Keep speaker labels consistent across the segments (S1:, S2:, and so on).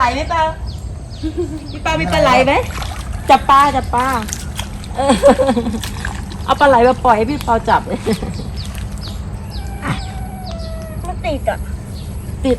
S1: ไหลไหมเปล่าพี่เปามีปลาไหลไหมจับปลาเอาปลาไหลมาปล่อยให้พี่เปาจับเลย
S2: มันติดอ่ะ
S1: ติด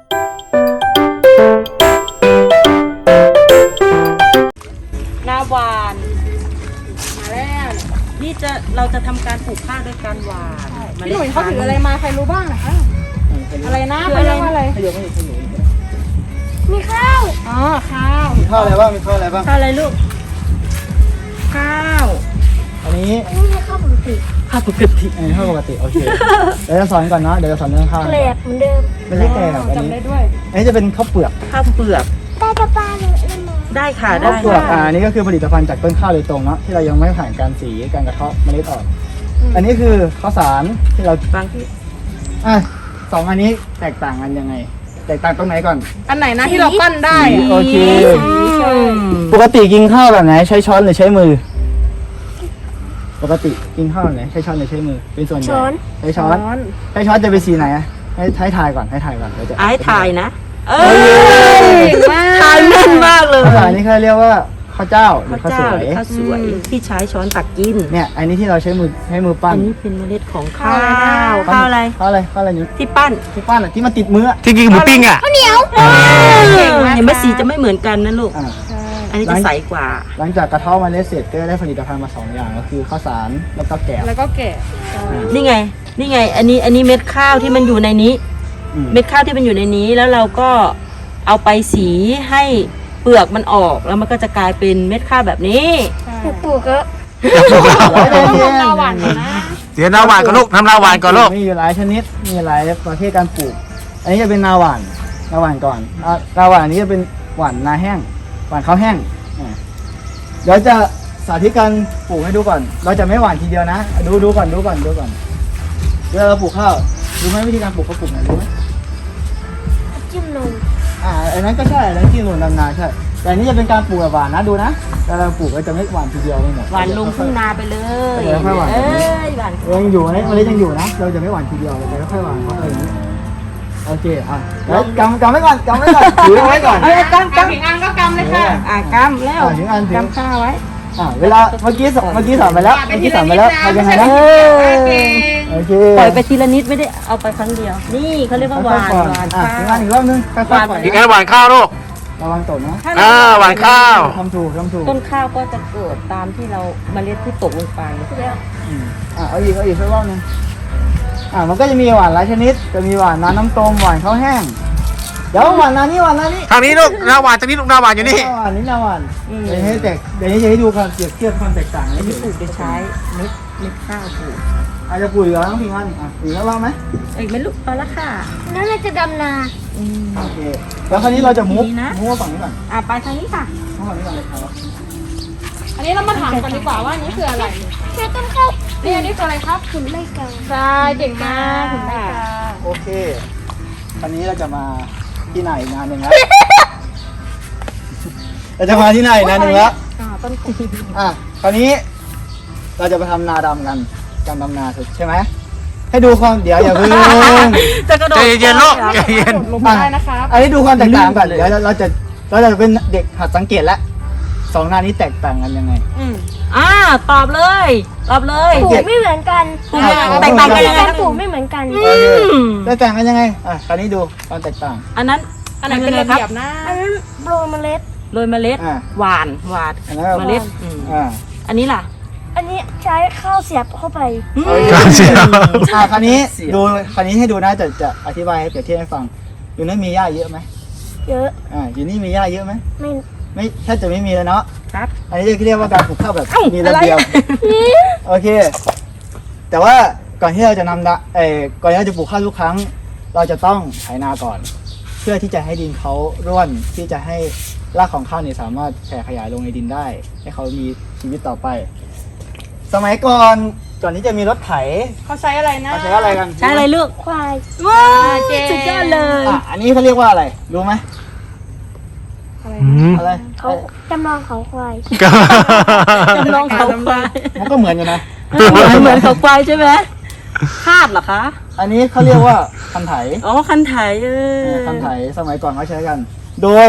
S1: หน้าหวานมาแล้วนี่เราจะทำการปลูกข้าวด้วยการหวาน
S2: พี่หนุ่ยเขาถืออะไรมาใครรู้บ้างนะคะอะไรนะ
S1: คือ
S2: เขา
S1: อะไร
S2: เรียกว่าอะไร
S3: ขยมไม่ขยม
S2: มีข้าวอ๋อข้าว
S3: มีข้าวอะไรบ้างมีข้าวอะไรบ้าง
S1: ข้าวอะไรลูกข้าว
S3: อันนี้
S2: ไม่ใช่ข้าวปกติ
S1: ข้าวปกติ
S3: ข้าวปกติโอเคเดี๋ยวจะสอนก่อนนะเดี๋ยวจะสอนเรื่องข้าว
S2: แกลบเหมือนเดิม
S3: ไม่ใช่แกงอันนี้อันนี้จะเป็นข้าวเปลือก
S1: ข้าวเปลือก
S2: ได้กระปาเลยมา
S1: ได้ค่ะได้
S3: ข้าวเปลือกอันนี้ก็คือผลิตภัณฑ์จากต้นข้าวโดยตรงเนาะที่เรายังไม่ผ่านการสีการกระเทาะเมล็ดออกอันนี้คือข้าวสารที่เรา
S1: บางที่
S3: สองอันนี้แตกต่างกันยังไงแตกต่างตรงไหนก่อน
S2: อันไหนนะที่เราปั้นได้
S3: สีโอเค
S1: อืม
S3: ปกติกินข้าวแบบไหนใช้ช้อนหรือใช้มือ ปกติกินข้าวแบบไหนใช้ช้อนหรือใช้มือเป็นส่วนใหญ่ใช้ช้อนใช้ช้อนจะเป็นสีไหนอะให้ทายก่อนเดี๋ยวจะ
S1: ไอ้ถ่ายนะเอ้
S2: เก่งมาก
S1: ถ่ายแม่นมากเลย
S3: ข้าวสารนี่เขาเรียกว่าข้าวเจ้าหรือ
S1: ข้าว
S3: ข้าวส
S1: เจ้า
S3: วย
S1: ข้าวสวยที่ใช้ช้อนตักกิน
S3: เนี่ยอันนี้ที่เราใช้มือปั้
S1: อั
S3: น
S1: นนี้เป็นเมล็ดของข้าวข้าวอะไร
S3: ข้าวอะไรอยู่
S1: ที่ปั้น
S3: ที่ปั้นอะที่มันติดมืออะ
S4: ที่กินหมูปิ้งอ่ะ
S2: ข้าวเหนียว
S1: เห็นไหมสีจะไม่เหมือนกันนะลูก
S3: อ่า
S1: อันนี้จะใสกว่า
S3: หลังจากกระเทาะเมล็ดเสร็จก็จะได้ผลิตภัณฑ์มาสองอย่างก็คือข้าวสารแล้วก็แกบ
S2: แล้วก็แกะ
S1: นี่ไง อันนี้เม็ดข้าวที่มันอยู่ในนี้
S3: อืม
S1: เม็ดข้าวที่มันอยู่ในนี้แล้วเราก็เอาไปสีให้เปลือกมันออกแล้วมันก็จะกลายเป็นเม็ดข้าวแบบนี้
S2: ปลูกก็
S3: ต้อง
S2: นาหวานนะ
S4: เดี๋ยวนาหวานก่อนลูกทำนาหวานก่อนลูก
S3: มีอยู่หลายชนิดมีหลายประเภทการปลูก อันนี้จะเป็นนาหวานก่อนนาหวานอันนี้จะเป็นหวานนาแห้งหวานข้าวแห้งเดี๋ยวจะสาธิตการปลูกให้ดูก่อน เราจะไม่หวานทีเดียวนะดูก่อนเวลาเราปลูกข้าวรู้ไหมวิธีการปลูกเขาปลูกไหนรู้ไหม
S2: จิ้มนม
S3: อันนั้นก็ใช่อันนั้นที่หนุนดำนาใช่แต่อันนี้จะเป็นการปลูกแบบหวานนะดูนะเวลาเราปลูกเราจะไม่หวานทีเดียวไม่หมด
S1: หวานลงทุ่งนาไปเลย
S3: เดี๋ยวค่อยหวาน
S1: เอ้ยหวาน
S3: ยังอยู่นะเมล็ดยังอยู่นะเราจะไม่หวานทีเดียวเราจะค่อยๆหวานเข้าไปอย่างนี้โอเคแล้วกำไว้ก่อนถือไว้ก่อน
S1: เอ้ยกำ
S2: ถึงอันก็กำเลยค่ะ
S1: กำแล้ว
S3: ถึงอันถึง
S1: กำข้าวไว้
S3: เวลาเมื่อกี้สอนไปแล้วทำยังไงนะโอเค
S1: ปล่อยไปทีละนิดไม่ได้เอาไปครั้งเดียว นี่เขาเรียกว่าหวาน
S3: ค่อยๆ
S1: หวาน
S3: ถึงอั
S1: ข้าน ว
S3: อีกรอบนึงค่อยๆปล่อย
S4: อีกอันหวานข้าวลูก
S3: ระวังตกนะ
S4: หวานข้าว
S3: ทำถูก
S1: ต้นข้าวก็จะเกิดตามที่เราเมล็ดที่ตกลงไป
S3: เอาอีกสักรอบนึงมันก็จะมีหวานหลายชนิดจะมีหวานน้ำต้มหวานข้าวแห้งเดี๋ยวหวานนานี่
S4: ทางนี้ลูกนาหวานทางนี้ลูกนาหวานอยู่นี่
S3: นาหวานเดี๋ยวนี้จะให้ดูความเปรียบเทียบความแตกต่าง
S1: อั
S3: ให้
S1: น
S3: เห็
S1: นี้
S3: น
S1: ปลูกโดยใช้เม็ดข้าวปลูก
S3: อาจจะปุ๋ยแล้วต้องพิงอันปุ๋ยแล้วบ้างไหม
S1: เอ้ยไม่ลูกพอละค่ะ
S2: นั่นเราจะดำนา
S3: โอเคแล้วคราวนี้เราจะมุก
S1: ดีนะ
S3: มาฝั่งนี้ก่อน
S1: ไปทางนี้ค่ะ
S3: มุกฝั่งนี้ก่อนเลยครับ
S2: อันนี้เรามาถามกันดีกว่าว่านี่คืออะไรแค่ต้นข้าวนี่อันนี้คืออะไรครับขุนไม่กลางใช่เก่งมากขุนไม่กลาง
S3: โอเคคราวนี้เราจะมาที่ไหนอีกงานหนึ่งแล้ว เราจะมาที่ไหนอีกงานหนึ่งแล้ว
S2: ต้นขุน
S3: คราวนี้เราจะไปทำนาดำกันการดำนาใช่ไหมให้ดูความเดี๋ยวอย่าเพิ่ง
S1: จะกระโดด
S4: ใจเย็นๆลูกใจเย็น
S2: ลงได้นะครับ
S3: อันนี้ดูความแตกต่างก่อนเดี๋ยวเราจะเป็นเด็กหัดสังเกตแล้วสองหน้านี้แตกต่างกันยังไง
S1: ตอบเลย
S2: ปลูกไม่เหมือนกัน
S1: ปลูกแตกต่างกันยังไง
S2: ปลูกไม่เหมือนกัน
S3: แตกต่างกันยังไงคราวนี้ดูความแตกต่าง
S1: อันนั้น
S2: อันไหนเป็นระเบียบนะอันนั้นโรยเมล็ด
S1: โรยเมล็ด
S3: หวาน
S1: หวาน
S3: อันนั้น
S1: เมล็ด อันนี้ล่ะ
S2: อันนี้ใช้ข้าวเสียบเข้าไป
S4: ค
S3: ค
S4: รับ
S3: ราวนี้ให้ดูนะจะอธิบายให้เปรียบเทียบให้ฟังอยู่นั้นมีหญ้าเยอะไหม
S2: เยอะ
S3: อยู่นี่มีหญ้าเยอะไหม
S2: ไม่
S3: แทบจะไม่มีแล้วเนาะ
S1: ครับ
S3: อันนี้เรียกว่าการปลูกข้าวแบบ
S1: เอ้า
S3: มีระเบียบ โอเค แต่ว่าก่อนที่เราจะก่อนที่เราจะปลูกข้าวทุกครั้ง เราจะต้องไถนาก่อน เพื่อที่จะให้ดินเขาร่วนที่จะให้รากของข้าวเนี่ยสามารถแผ่ขยายลงในดินได้ ให้เขามีชีวิตต่อไป สมัยก่อนที่จะมีรถไถ
S2: เขาใช้อะไรนะ
S3: เขาใช้อะไรกัน
S1: ใช่อะไรลูก
S2: ควาย
S1: ว้าวสุดยอดเลย
S3: อันนี้เขาเรียกว่าอะไรรู้ไหมอะไร
S2: เขาจำลองเขาควาย
S1: จำลองเขาควาย
S3: มันก็เหมือนอยู่นะ
S1: เหมือนเขาควายใช่ไหมคาดเหรอคะ
S3: อันนี้เขาเรียกว่าคันไถ
S1: อ๋อคันไถ
S3: คันไถสมัยก่อนเขาใช้กัน โดย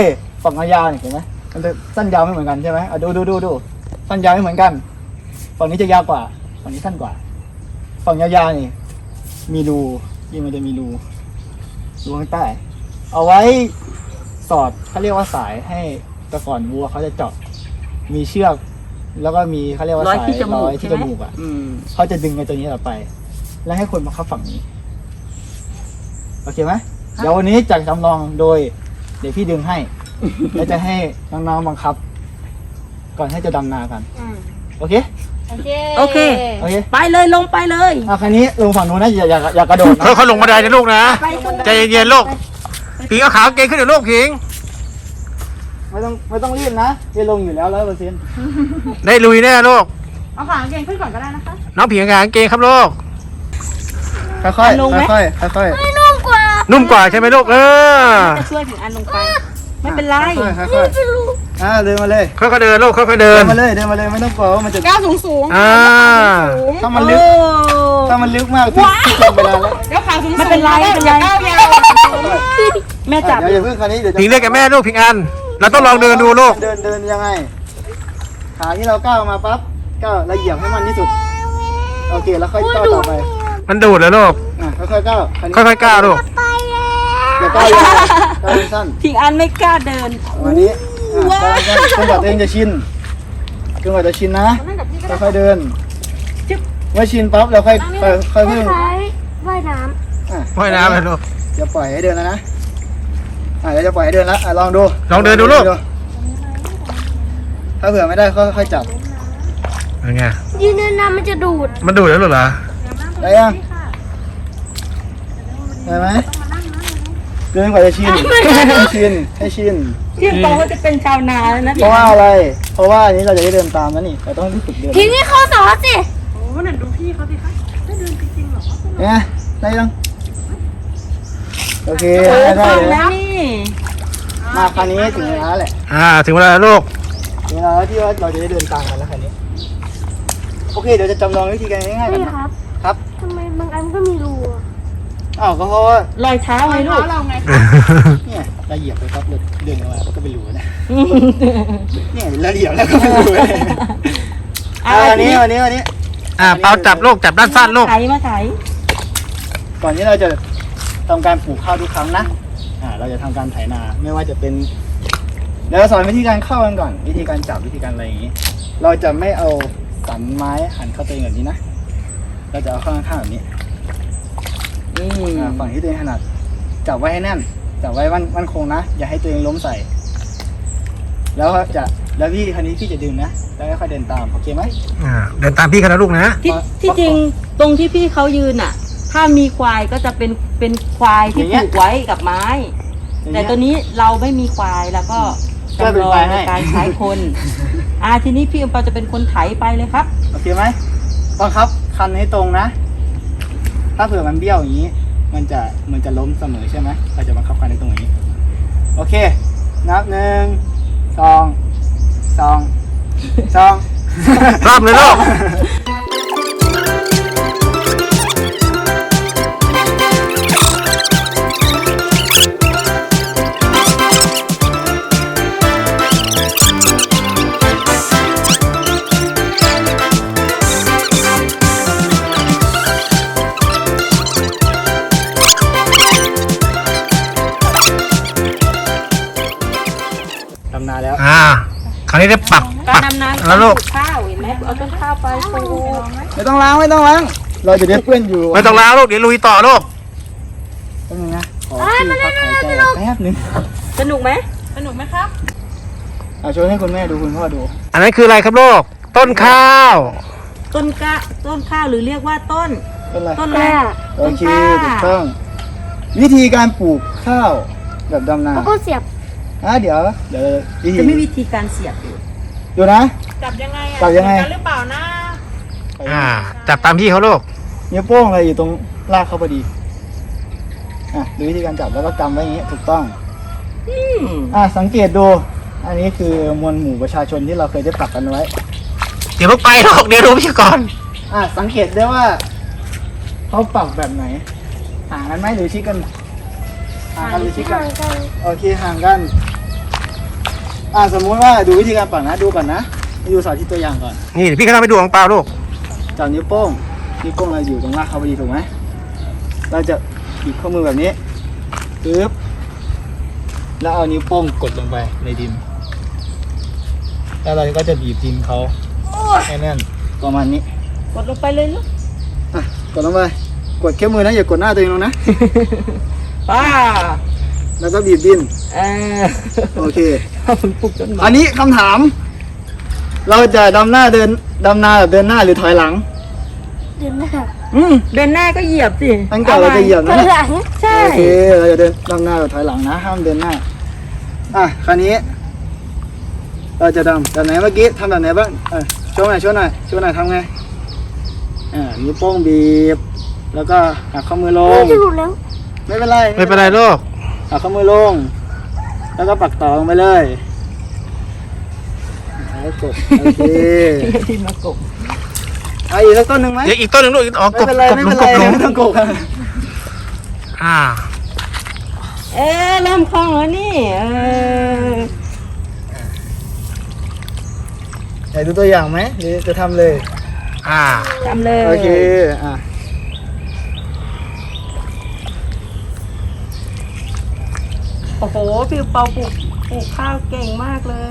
S3: ฝั่งยาวๆเนี่ยเห็นไหมมันจะสั้นยาวไม่เหมือนกันใช่ไหมดูสั้นยาวไม่เหมือนกันฝั่งนี้จะยาวกว่าฝั่งนี้สั้นกว่าฝั่งยาวๆนี่มีรูยิ่งมันจะมีรูข้างใต้เอาไว้สอดเขาเรียกว่าสายให้แต่ก่อนวัวเขาจะเจาะมีเชือกแล้วก็มีเขาเรียกว่า
S1: ร้อย
S3: สาย
S1: ที่จมูก
S3: ร้อยที่จมูกอ่ะ เขาจะดึงไอ้ตัวนี้ออกไป แล้วให้คนมาเข้าฝั่งนี้ โอเคไหมเดี๋ยววันนี้จะจำลองโดย เดี๋ยวพี่ดึงให้ แล้วจะให้น้องๆบังคับ ก่อนให้จะดำนากัน โอเค
S2: โอเค
S1: โอเค
S3: โอเค
S1: ไปเลยลงไปเลย
S3: คราวนี้ลงฝั่งนู้นนะอย่ากระโดดนะ
S4: เขาลงบันไดนะลูกนะ
S1: ไปขึ้น
S4: ใจเย็นๆลูกผิงเอาขาเกงขึ้นเดี๋ยวลูกผิง
S3: ไม่ต้องรีบนะจะลงอยู่แล้ว100%
S4: ได้ลุยแน่ลูก
S2: เอาขาเกงขึ้นก่อนก็ได้นะคะ
S4: น้องผิงเอาขาเกงครับลูก
S3: ค่อยๆค่อยๆ
S4: นุ่มกว่าใช่ไหมลูก
S1: จะช่วยถึงอันลงไป ไม่เป็นไร
S3: ค่อยๆเดินมาเลย
S4: ค่อยๆเดินลูกค่อยๆเดิ
S3: เดิ
S4: น
S3: นมาเลยไม่ต้องกลัวว่ามันจะ
S2: ก้าวสูง
S3: ถ้ามันลึก ถ้ามันลึกมากพี่จมไปแล้ว
S2: เดี๋ยวขาสูง
S1: ไม่เป็นไรไม่เป็นไร
S2: ก้าวยาว
S1: แม่จับ
S3: เดี๋ยวอย่าเพิ่งคราวนี้เดี๋ยวจะ
S4: ผิงเรียกกับแม่ลูกผิงอัน เราต้องลองเดินดูลูก
S3: เดินยังไง ขาที่เราก้าวมาปั๊บก้าวละเอียดให้มันที่สุด โอเคแล้วค่อยก้าวต่อไป
S4: มันดูดเลยลูก
S3: ค่อยๆก้าว
S4: ค่อยๆก้าวลูก
S3: อย่าก้าวยาวก้าวสั้น
S1: พิงอันไม่กล้าเดิน
S3: วันนี้ก้าวสั้นจนกว่าตัวเองจะชินจนกว่าจะชินนะค่อยๆเดินเมื่อชินปั๊บเราค่อยเพิ่ง
S5: ว่ายน้
S4: ว่ายน้ำเลยลูก
S3: จะปล่อยให้เดินแล้วนะเดี๋ยวจะปล่อยให้เดินแล้วลองดู
S4: ลองเดินดูลูก
S3: ถ้าเผื่อไม่ได้ค่อยๆจับ
S4: เป็นไง
S5: ำยืนนานๆมันจะดูด
S4: มันดูดแล้วเหรอ
S3: ได้ยังได้ไหมเดินกว่าจะชินให้ชิน
S1: พี่บอกว่าจะเป็นชาวนาแล้วนะ
S3: เพราะว่าอะไร เพราะว่าอันนี้เราจะได้เดินตามนะนี่เราต้องฝึกเดิน
S5: ทีนี้เข้าสอนสิ
S1: โอ้นั่นดูพี่เขาสิคะได้เดินจริงๆเหรอ
S3: เนี่ยได้ยังโอเค
S1: โอ้
S3: ได้
S1: ฟัง
S3: เลย
S1: แล้วนี่
S3: มาคราวนี้ถึงเวลาแหละ
S4: ถึงเวลาแล้วลูก
S3: ถึงเวลาแล้วที่ว่าเราจะได้เดินตามกันแล้วคราวนี้โอเคเดี๋ยวจะจำลองวิธีการง่ายๆกัน
S5: พี่
S3: นะครับ ครับ
S5: ทำไมบางอันก็มีรูอะ
S3: อ้าวก็เพราะว่าร
S1: อยเท้าไงลูก
S2: เราไง
S3: เนี่ยเราเหยียบไปปั๊บเดินออกมาก็เป็นรูนะเนี่ยเราเหยียบแล้วก็เป็นรูเลยวันนี้
S4: เปาจับลูกจับด้านสั้นลูก
S1: ไถมาไถ
S3: ก่อนที่เราจะทำการปลูกข้าวทุกครั้งนะเราจะทำการไถนาไม่ว่าจะเป็นเดี๋ยวเราสอนวิธีการเข้ากันก่อน วิธีการจับวิธีการอะไรอย่างนี้ เราจะไม่เอาสันไม้หันเข้าตัวเองแบบนี้นะเราจะเอาเข้าข้างๆแบบนี้ฝั่งที่ตัวเองถนัดจับไว้ให้แน่นจับไว้มั่นคงนะอย่าให้ตัวเองล้มใส่ แล้วพี่คันนี้พี่จะดึงนะแล้วค่อยๆเดินตามโอเคไหม
S4: เดินตามพี่กันนะลูกนะ
S1: ที่จริงตรงที่พี่เขายืนอ่ะ ถ้ามีควายก็จะเป็นควายที่ผูกไว้กับไม้ แต่ตัวนี้เราไม่มีควายแล้วก็จำลองในการใช้คนทีนี้พี่อมเปาจะเป็นคนไถไปเลยครับ
S3: โอเคไหมบังคับคันให้ตรงนะ ถ้าเผื่อมันเบี้ยวอย่างนี้ มันจะล้มเสมอใช่ไหมเราจะบังคับคันให้ตรงอย่างนี้ โอเค นับ1 2 2
S4: รับเลยลูก
S3: ทำนาแล้ว
S4: คราวนี้ได้ปัก
S1: การดำนา
S4: แล้วลูก
S1: ปลูข้าวเห็นไหมเอาต้นข้าวไปปลูก
S3: ไม่ต้องล้างเราจะได้เปื้อนอยู่
S4: ไม่ต้องล้างลูกเดี๋ยวลุยต่อลูก
S3: แป๊บนึงนะขอที่พักหายใจแป๊บนึง
S1: สนุกไหม
S2: สนุกไหมครับ
S3: โชว์ให้คุณแม่ดูคุณพ่อดู
S4: อันนั้นคืออะไรครับลูกต้นข้าว
S1: ต้นข้าวหรือเรียกว่าต้น
S3: เป็นไร
S1: ต้นอะไร
S3: โอเคถูกต้อง วิธีการปลูกข้าวแบบดำนา
S5: แล้วก็เสียบ
S3: เดี๋ยววิธี
S1: จะไม่วิธีการเสียบอยู่
S3: ดูนะ
S2: จับยังไง
S3: จับยังไง
S2: เหมือนกันหรือเปล่านะ
S4: จับตามพี่เขาลูก
S3: นิ้วโป้งอะไรอยู่ตรงรากเขาพอดีดูวิธีการจับแล้วก็กำไว้อย่างนี้ถูกต้องสังเกตดู อันนี้คือมวลหมู่ประชาชนที่เราเคยได้ปักกันไว้
S4: เดี๋ยวลูกไปลูกเดี๋ยวดูพี่ก่อน
S3: สังเกตได้ว่าเขาปักแบบไหนห่างกันไหมหรือชิดกันห่างกันหรือชิดกันโอเคห่างกันสมมุติว่าดูวิธีการปักนะดูก่อนนะดูสาธิตตัวอย่างก่อน
S4: นี่เดี๋ยวพี่ก็ทำให้ดูของเปล่าลูก
S3: จับนิ้วโป้งเราอยู่ตรงรากเขาพอดีถูกไหมเราจะบีบข้อมือแบบนี้ปึ๊บแล้วเอานิ้วโป้งกดลงไปในดินแล้วเราก็จะบีบดินเขาให้แน่นประมาณนี้
S1: กดลงไปเลยลูก
S3: กดลงไปกดแค่มือนะอย่ากดหน้าตัวเองลงนะ
S1: ป้า
S3: แล้วก็บีบดิน โอเค
S1: มันปลุกจนหมา
S3: อันนี้คำถาม เราจะดำนาแบบเดินหน้าหรือถอยหลัง
S5: เดินหน้า
S1: เดินหน้าก็เหยียบสิ
S3: ตั้งแต่เราจะเหยียบ
S5: ถ
S3: นะ
S5: อยหลัง
S1: ใช่
S3: โอเคเราจะเดินดำนาหรือถอยหลังนะห้ามเดินหน้าคราวนี้ เราจะแบบไหนเมื่อกี้ทำแบบไหนบ้างโชว์หน่อยทำไงนิ้วโป้งบีบแล้วก็หักข้อมือลง
S5: จะหลุดแล้ว
S3: ไม่เป็นไร
S4: ไม่เป็นไรลูก
S3: หักข้อมือลง แล้วก็ปักต่อลงไปเลยแล้วกดโอเค
S1: ที่มากบ
S3: เอาอีกสักต้นหนึ่งไหม
S4: เดี๋ยวอีกต้นหนึ่งลูกอ๋อก
S3: ไม่
S4: บ
S3: เป็นไร
S4: กบ
S3: ไม่
S4: ล
S3: เป็
S4: ง
S3: น
S4: ก
S3: ไร
S4: บลง
S3: ไม่ต้องกบ
S1: เริ่มคล่องแล้วนี่
S3: อยากดูตัวอย่างไหมหรือจะทำเลย
S1: ทำเลย
S3: โอเค
S1: โอ้โหพี่เปาปลูกข้าวเก่งมากเลย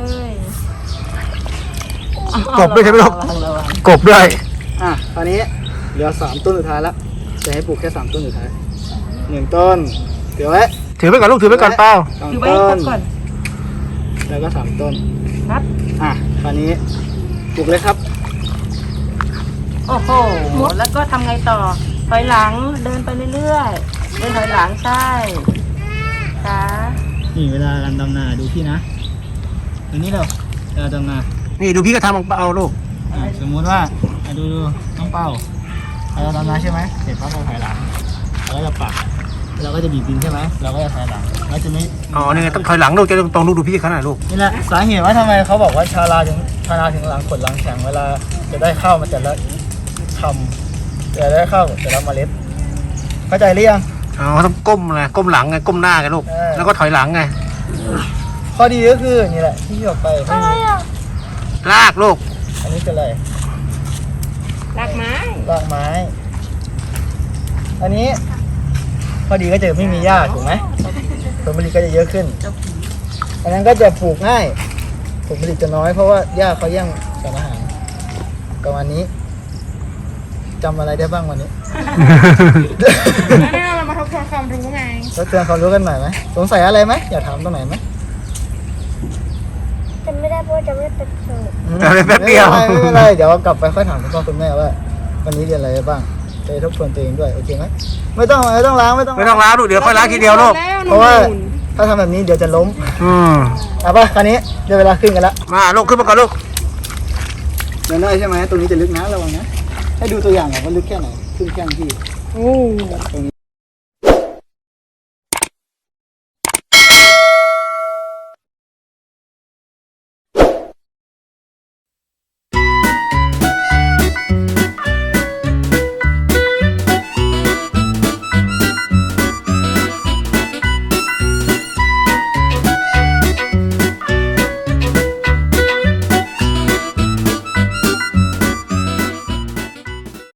S4: กบด้วยใช่ไหมลูก
S1: ระวัง
S4: กบด้วย
S3: ตอนนี้เหลือ3ต้นสุดท้ายแล้วจะให้ปลูกแค่3ต้นสุดท้าย1ต้นเดี๋ยวไว้
S4: ถือไปก่อนลูกถือไปก่อนเปล่า
S1: ถือไว้ให้ครบก่อน
S3: แล้วก็3ต้น
S1: ครับ
S3: คราวนี้ปลูกเลยครับ
S1: โอ้โหแล้วก็ทำไงต่อถอยหลังเดินไปเรื่อยๆเดินถอยหลังใช่ค่ะ
S3: นี่เวลาการดำนาดูพี่นะอันนี้เราเวลาดำนา
S4: นี่ดูพี่ก็ทำของเปล่าลูก
S3: สมมุติว่าดูน้องเป้าเราดำนาใช่ไหมเสร็จปั๊บเราถอยหลังเราก็จะปักเราก็จะบีบดินใช่ไหมเราก็จะถอยหลังเราจะไม่
S4: อ๋อนี่ไงต้องถอยหลังลูกจะตรงๆลูกดูพี่เขาหน่อยลูก
S3: นี่แหละสาเหตุว่าทำไมเขาบอกว่าชาวนาถึงหลังขดหลังแข็งเวลาจะได้ข้าวมาแต่ละคำจะได้ข้าวแต่ละเมล็ดเข้าใจหรือยัง
S4: อ๋อต้องก้มไงก้มหลังไงก้มหน้าไงลูก แล้วก็ถอยหลังไง
S3: ข้อดีก็คือนี่แหละที่บอกไปไม่มี
S4: ลากลูก
S3: อันนี้เป็นอะไร
S1: รากไม้
S3: รากไม้ อันนี้ข้อดีก็จะไม่มีหญ้าถูกไหมผลผลิตก็จะเยอะขึ้น อันนั้นก็จะปลูกง่ายผลผลิตจะน้อยเพราะว่าหญ้าเขาแย่งสารอาหารประมาณนี้จำอะไรได้บ้างวันนี้
S2: แล้วเรามาทบทวนความรู้ไง
S3: แล้วเตือนความรู้กันหน่อยไหมสงสัยอะไรไหมอยากถามตรงไหนไหม
S5: จำไม่ได้เพราะว่าจำไม่ได้เป็นเสิร์ฟ
S4: แป๊บเดียว
S3: ไม่เป็นไรเดี๋ยวกลับไปค่อยถามคุณพ่อคุณแม่ว่าวันนี้เรียนอะไรไปบ้างจะได้ทบทวนตัวเองด้วยโอเคไหมไม่ต้องล้างไม่ต้อง
S4: ไม่ต้องล้างลูกเดี๋ยวค่อยล้างทีเดียวลูก
S3: เพราะว่าถ้าทำแบบนี้เดี๋ยวจะล้ม เอาป่ะคราวนี้เดี๋ยวเวลาขึ้นกันละ
S4: มาลูกขึ้นมาก่อนลูก
S3: เดินได้ใช่ไหมตรงนี้จะลึกนะระวังนะให้ดูตัวอย่างก่อนว่าลึกแค่ไหนขึ้นแค่ที่ตรงนี้